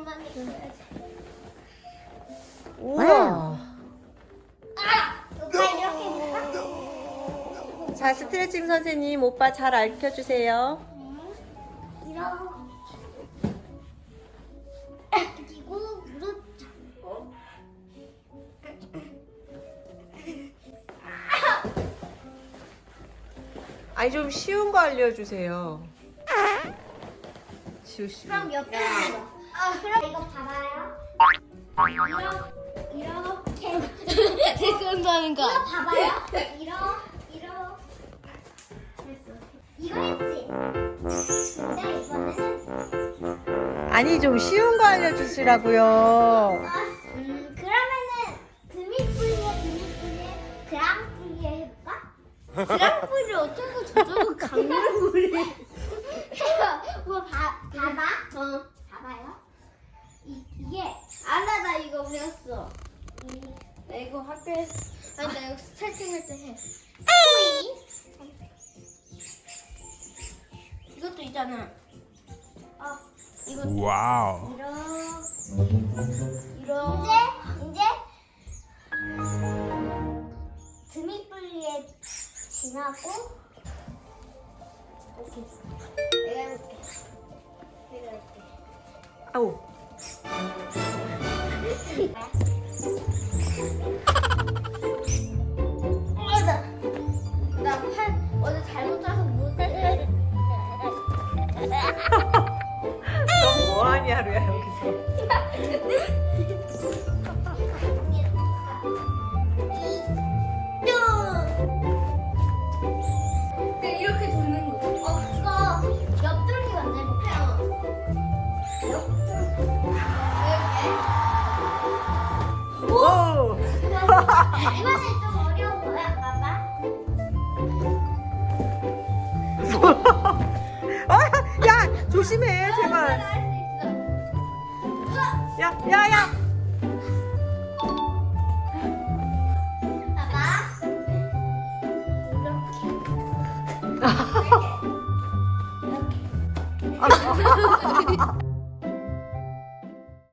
이것만 믿어야지. 우와. 오빠 이렇게 해볼까? 자, 스트레칭 선생님, 오빠 잘 알려주세요. 이렇게. 그리고 무릎 잡고. 아니, 좀 쉬운 거 알려주세요. 쉬우. 그럼 옆에 있는 거. 그럼 이거 봐봐요. 이렇게. 태권도 하는 거. 이거 봐봐요. 됐어. 이거 했지? 근데 이거는 아니, 좀 쉬운 거 알려주시라고요. 그러면은 드미뿌리에 그랑뿌리에 해볼까? 그랑프를 어쩌고 저쩌고 강물을. 뭐 봐봐. 봐봐요. 이게 알아, 나 이거 배웠어. 나 이거 학교에서, 아니, 나 이거 스트레칭 할 때 해. 코인. 이것도 있잖아. 이거 Wow. 이런. 이제 드미뿌리에 지나고 이렇게. 내가 해볼게. 내가 할게. 아우. 나팔 어제 잘못 짜서 못해. 너 뭐하니, 하루야, 여기서. 이렇게 도는 거. 그거 옆돌기 먼저 해볼까요? 오! 이번엔 좀 어려운 거야, 봐봐. 야, 조심해, 제발. 야, 야, 야. 봐봐. 이렇게.